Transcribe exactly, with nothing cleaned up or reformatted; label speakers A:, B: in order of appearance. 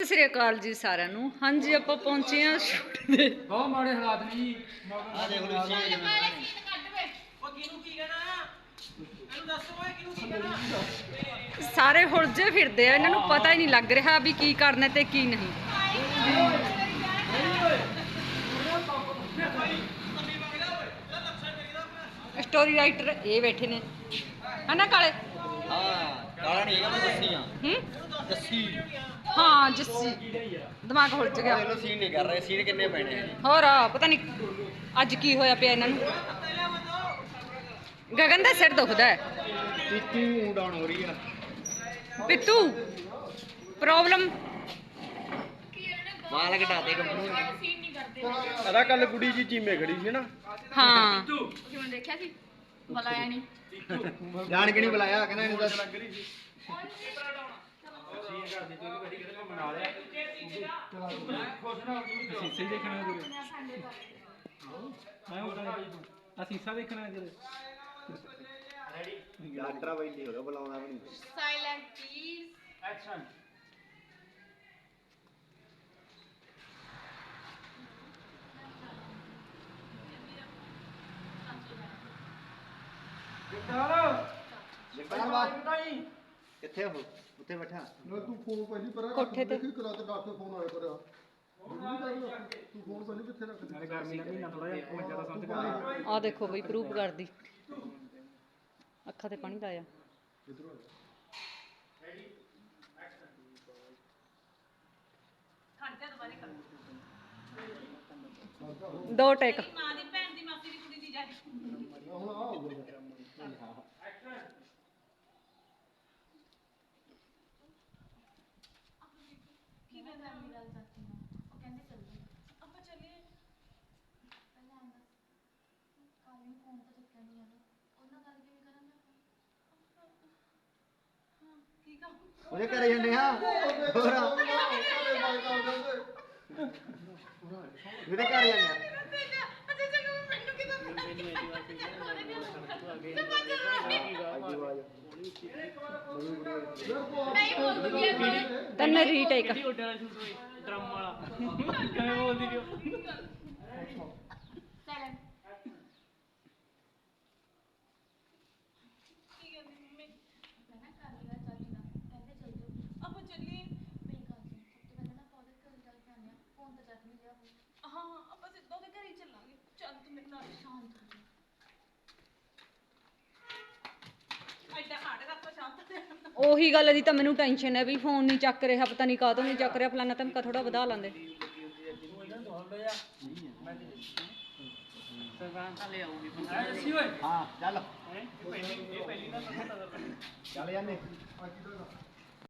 A: ਸਤਿ ਸ੍ਰੀ ਅਕਾਲ ਜੀ ਸਾਰਿਆਂ ਨੂੰ। ਹਾਂਜੀ ਆਪਾਂ ਪਹੁੰਚੇ ਆ ਸ਼ੂਟ ਦੇ।
B: ਬਹੁਤ ਮਾੜੇ ਹਾਲਾਤ ਨੇ ਜੀ।
C: ਆ ਦੇਖ ਲਓ ਸੀਨ ਕੱਢ ਵੇ। ਉਹ ਕਿਹਨੂੰ ਕੀ ਕਹਿਣਾ ਇਹਨੂੰ ਦੱਸੋ ਓਏ ਕਿਹਨੂੰ ਕੀ ਕਹਿਣਾ।
A: ਸਾਰੇ ਹੁਲਝੇ ਫਿਰਦੇ ਆ, ਇਹਨਾਂ ਨੂੰ ਪਤਾ ਹੀ ਨਹੀਂ ਲੱਗ ਰਿਹਾ ਵੀ ਕੀ ਕਰਨਾ ਤੇ ਕੀ ਨਹੀਂ। ਸਟੋਰੀ ਰਾਈਟਰ ਇਹ ਬੈਠੇ ਨੇ ਹਨਾ ਕਾਲੇ।
C: ਹਾਂ ਕਾਲਾ ਨਹੀਂ ਹੈਗਾ ਮੈਂ ਜੱਸੀ ਆ।
A: ਹੂੰ
C: ਜੱਸੀ
A: ਹਾਂ ਜੱਸੀ ਦਿਮਾਗ ਹੁਲਝ ਗਿਆ।
C: ਇਹਨੂੰ ਸੀਨ ਨਹੀਂ ਕਰ ਰਹੇ, ਸੀਨ ਕਿੰਨੇ ਪੈਣੇ ਆ ਜੀ।
A: ਹੋਰ ਪਤਾ ਨਹੀਂ ਅੱਜ ਕੀ ਹੋਇਆ ਪਿਆ ਇਹਨਾਂ ਨੂੰ। ਗਗਨ ਦਾ ਸਿਰ ਦੁਖਦਾ ਹੈ।
C: ਪੀਤੂ ਡਾਊਨ ਹੋ ਰਹੀ ਆ।
A: ਪਿੱਤੂ ਪ੍ਰੋਬਲਮ
C: ਮਾਲ ਘਟਾ ਦੇ ਕੰਪਨੀ
D: ਸੀਨ ਨਹੀਂ ਕਰਦੇ
B: ਅਦਾ ਕੱਲ ਕੁੜੀ ਜੀ ਚੀਮੇ ਖੜੀ ਸੀ ਨਾ।
A: ਹਾਂ
D: ਕਿਵੇਂ ਦੇਖਿਆ ਸੀ ਬੁਲਾਇਆ ਨਹੀਂ
C: ਜਾਣ ਕੇ ਨਹੀਂ ਬੁਲਾਇਆ, ਕਹਿੰਦਾ ਇਹਨੂੰ ਦੱਸ।
B: ਸੀਸੇ ਦੇਖਣਾ ਗੁਰੂ ਮੈਂ ਉਹਦਾ ਆ ਸੀਸਾ ਦੇਖਣਾ ਗੁਰੂ
C: ਡਾਕਟਰ ਬਾਈ ਨਹੀਂ ਹੋਗਾ ਬੁਲਾਉਣਾ ਵੀ ਨਹੀਂ।
D: Silent please
B: action.
C: ਜਗਤਾਰ ਬਾਤ ਕਿੱਥੇ ਹੋ? ਉੱਥੇ ਬੈਠਾ
E: ਨਾ ਤੂੰ ਫੋਨ ਪਹਿਲੀ ਪਰ
A: ਕੋਠੇ ਤੇ।
E: ਦੇਖੀ ਕਰਾ ਤੇ ਡਾਕਟਰ ਫੋਨ ਆਇਆ ਪਰ ਤੂੰ ਫੋਨ ਪਹਿਲੀ ਕਿੱਥੇ ਰੱਖ ਦੇ।
B: ਨਾਲੇ ਗਰਮੀ ਦਾ ਮਹੀਨਾ ਥੋੜਾ ਜਿਹਾ ਮੈਂ ਜ਼ਿਆਦਾ ਸਮਝ ਕਰ
A: ਆ ਦੇਖੋ ਬਈ ਪ੍ਰੂਫ ਕਰਦੀ ਅੱਖਾਂ ਤੇ ਪਾਣੀ ਲਾਇਆ। ਦੋ ਟੇਕ
D: ਮਾਂ ਦੀ ਭੈਣ ਦੀ ਮਾਸੀ ਦੀ ਕੁੜੀ ਦੀ ਜਾ
E: ਹੁਣ ਆ ਹੋ ਗਿਆ
D: ਕੀ ਕਹਿੰਦਾ ਮੇਰੀ ਗੱਲ ਚਾਚੀ ਨੂੰ ਉਹ ਕਹਿੰਦੇ ਚੱਲਦੇ ਆਪਾਂ ਚੱਲੀਏ ਪਹਿਲਾਂ ਆਂਦਾ ਕਾਲੀ ਨੂੰ ਫੋਨ ਤਾਂ ਚੱਕਿਆ ਨਹੀਂ ਆਂਦਾ ਉਹਨਾਂ ਗੱਲ ਕਿਵੇਂ ਕਰਾਂਗੇ ਹਾਂ ਕੀ ਕਹਾਂ
C: ਉਹਦੇ ਘਰੇ ਜਾਂਦੇ ਆ। ਹੋਰ ਉਹਦੇ ਘਰ ਜਾਂਦੇ ਆ।
D: ਅੱਛਾ ਚੰਗਾ ਮੈਨੂੰ ਕਿਦਾਂ ਨਹੀਂ ਬੋਲ ਦੂੰਗੀ
A: ਤਨ ਰੀਟੇਕ
B: ਡਰਮ ਵਾਲਾ ਕਿਵੇਂ ਬੋਲਦੀ ਪਿਓ।
D: ਸਾਇਲੈਂਟ ਕੀ ਕਹਿੰਦੀ ਮੰਮੀ ਮੈਂ ਨਾ ਕਾਲੀ ਦਾ ਚਾਚੀ ਦਾ ਕਹਿੰਦੇ ਚੱਲ ਜਾਓ ਆਪਾਂ ਚੱਲੀਏ ਮੇਰੀ ਗੱਲ ਸੁਣ ਸਭ ਤੋਂ ਪਹਿਲਾਂ ਨਾ ਆਪਾਂ ਉਹਦੇ ਘਰ ਜਾ ਕੇ ਆਉਂਦੇ ਹਾਂ ਫੋਨ ਤਾਂ ਚੱਕ ਨਹੀਂ ਲਿਆ ਹਾਂ ਆਪਾਂ ਸਿੱਧਾ ਉਹਦੇ ਘਰ ਹੀ ਚੱਲਾਂਗੇ ਚੱਲ ਤੂੰ ਮੇਰੇ ਨਾਲ ਸ਼ਾਂਤ ਹੋ ਜਾ ਐਡਾ ਹਾੜੇ ਦਾ ਆਪਾਂ ਸ਼ਾਂਤ ਹੋ ਜਾ
A: ਉਹੀ ਗੱਲ ਦੀ ਤਾਂ ਮੈਨੂੰ ਟੈਨਸ਼ਨ ਹੈ ਵੀ ਫੋਨ ਨਹੀਂ ਚੱਕ ਰਿਹਾ, ਪਤਾ ਨਹੀਂ ਕਾਹਤੋਂ ਨਹੀਂ ਚੱਕ ਰਿਹਾ। ਫਲਾਨਾ ਧਮਕਾ ਥੋੜਾ ਵਧਾ ਲਾਂਦੇ।
C: ਹਾਂ ਚੱਲ
B: ਪਹਿਲੀ ਪਹਿਲੀ ਨਾ
C: ਚੱਲ ਜਾਂਦੇ।
E: ਆ ਕੀ ਦਾ